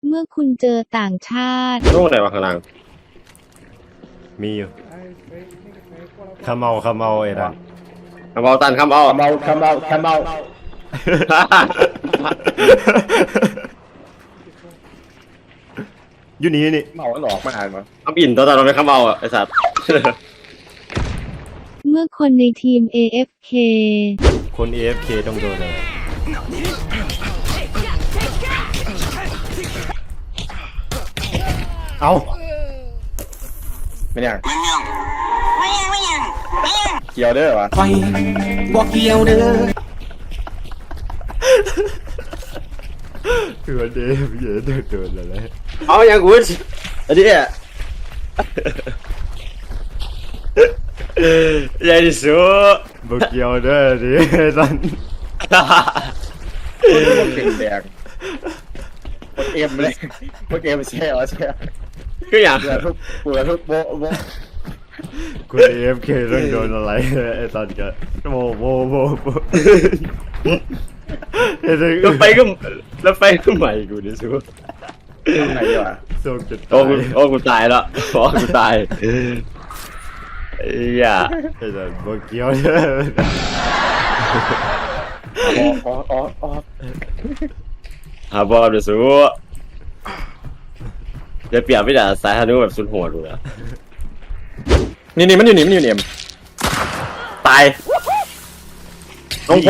เมื่อคุณเจอต่างชาติโลกไหนวะข้างล่างมีอยู่ขมเอาไอ้นั่นคำเอาตันคำเอาอยู่นี่เมาหลอกมาอ่านมาคำอินตัวตอนเราไม่คำเอาอ่ะไอ้สัตว์เมื่อคนในทีม AFK คน AFK ต้องโดนเลยเอาไม่ยังเกี่ยวเด้อวะไฟบอกเกี่ยวเด้อตัวเดฟเยอะโดนอะไรเอาอย่างกูอันนี้อ่ะใหญ่ที่สุดบอกเกี่ยวเด้อดิสันคนเก่งแดงคนเอ็มเลยคนเอ็มแช่ก็อย่างเลือทุกโบคุณ AFK ต้องโดนอะไรไอ้สันกันโบแล้วไปก็ใหม่กูดิสูไหนอยู่อ่ะส่งจุดกูตายแล้วกูตายอย่าไอ้สันบอกเกี่ยวเด้อ๋อหาบอลดิสูจะเปรียบไม่ได้สายฮานุแบบสุดโหดดูนะนี่มันอยู่นี่เอ็มตายลงพอ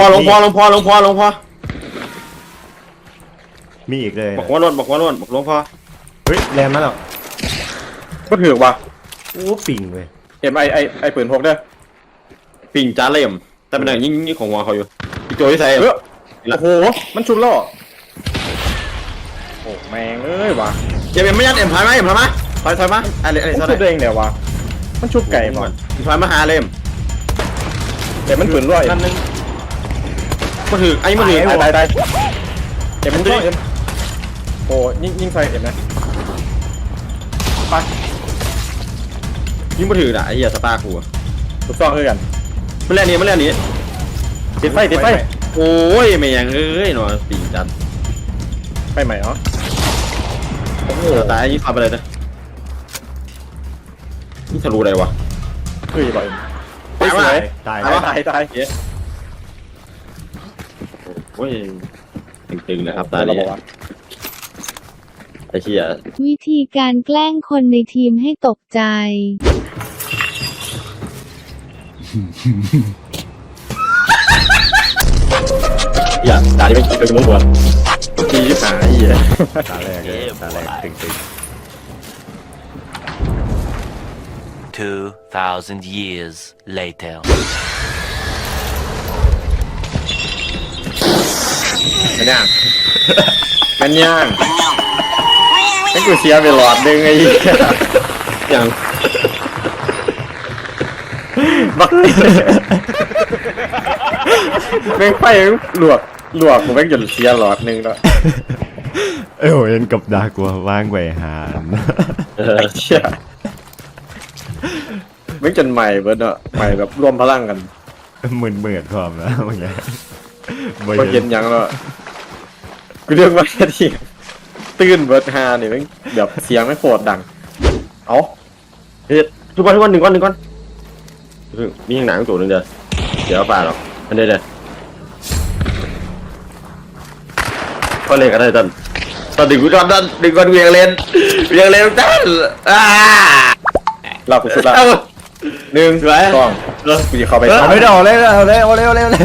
มีอีกเลยบอกว่ารถบอกลงพอเฮ้ยแรงมาแล้วก็ถือว่ะโอ้ปิ่งเว้ยเอ็มไอปืนพกเด้อปิ่งจ้าเล่มแต่เป็นอย่างยิ่งของหัวเขาอยู่อีโจที่ใส่โอ้โหมันชุบล่อโอ้แมงเอ้ยว่ะเอ็มไม่ยัดเอ็มถอยมาถอยมาอะไรชุบเองเดี๋ยวว่ะมันชุบไก่บ่ถอยมาหาเล่มเดี๋ยวมันปืนรั่วนั่นนึงมาถือไอ้มาถือตายเอ็มมันรั่วเอ็มโอ้ยิงไฟเอ็มนะไปยิงมาถือน่ะไอ้เหี้ยสตาร์กูถูกต้องเลยกันมันแล่นนี้ติดไฟโอ้ยไม่ยังเอ้ยหนอปีจันไฟใหม่เนาะโอ้โหตายยิงขับไปเลยนะนี่ทะลุอะไรวะคือบ่อยตายโอ้ยตึงๆนะครับตาเนี่ยไอ้เชี่ยวิธีการแกล้งคนในทีมให้ตกใจอย่าตาที่ไม่เป็นมุ้งหัวตีหาอีกตาแรกตึง 2,000 years later มันย่างให้กูเสียไปหลอดนึงไอ้อย่างบักแม่งไฟหลวกกูแม่งหยุดเสียหลอดนึงแล้วเห็นกับดากว่าว่างไว้หานไอ้เชี่ยแม่งจนใหม่เบิร์ดอะใหม่แบบรวมพลังกันเหมือนความนะเมื่อกี้พอเย็นยังแล้วกูเรียกว่าที่ตื่นเบิร์ดฮาเนี่ยแม่งแบบเสียงไม่โคตรดังเอาเฮ้ยทุกวันหนึ่งก้อนมีอย่างหนังตัวนึงเดี๋ยวฝ่าหรอกอันนี้เดี๋ยวก็เล่นกันได้ตอนดึงกูก่อนดึงก่อนเวียงเล่นตั้งเราสุดละ1 2กูจะเข้าไปเอาไม่ได้เอาเลยเอามาเลยเอาหน่อยไหม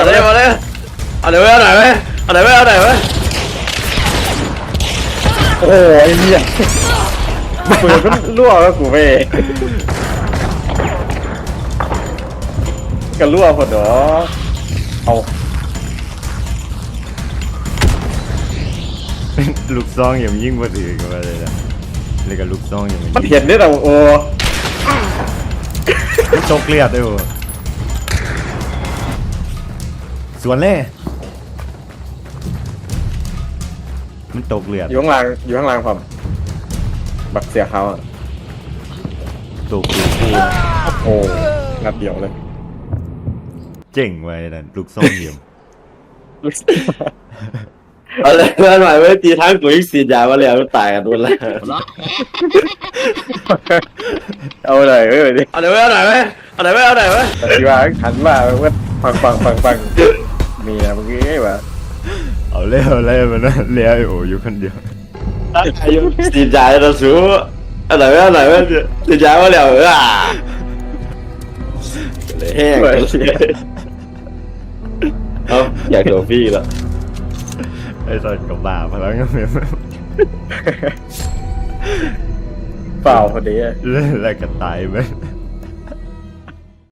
โอ้ยเนี่ยปืนมันรั่วแล้วกูไปกันรั่วพอดอเอาลูกซองอย่างยิ่งกว่าอื่นกันเลยนะเลยกับลูกซองอย่างมันเห็นได้แต่โอ้โชคเลียดด้วยสวนเล่มันตกเลือดอยู่ข้างล่างผมบักเสียเขาตกเลือดโอ้นัดเดียวเลยเจ๋งไว้นั่นลูกซองเยี่ยมเอาเลยเพื่อนหน่อยไว้ตีทั้งกูอีกสีดยามาแล้วตายกันด้วยแล้วเอาเลยเว้ยดิเอาไหนไว้เอาไหนไว้เอาไหนไว้เอาไหนไว้ปฏิวัติหันมาเว้ยฟังมีนะเมื่อกี้ว่าเอาเล่มันนะเลี้ยโอ้อยู่คนเดียวอายุสีดยาเราสู้เอาไหนไว้เอาไหนไว้สีดยามาแล้วแห้งเอาอยากโดนพี่แล้วไอ้ตอนกับบาพลังก็เหมือนเปล่าพอดีอะแล้วก็ตายไป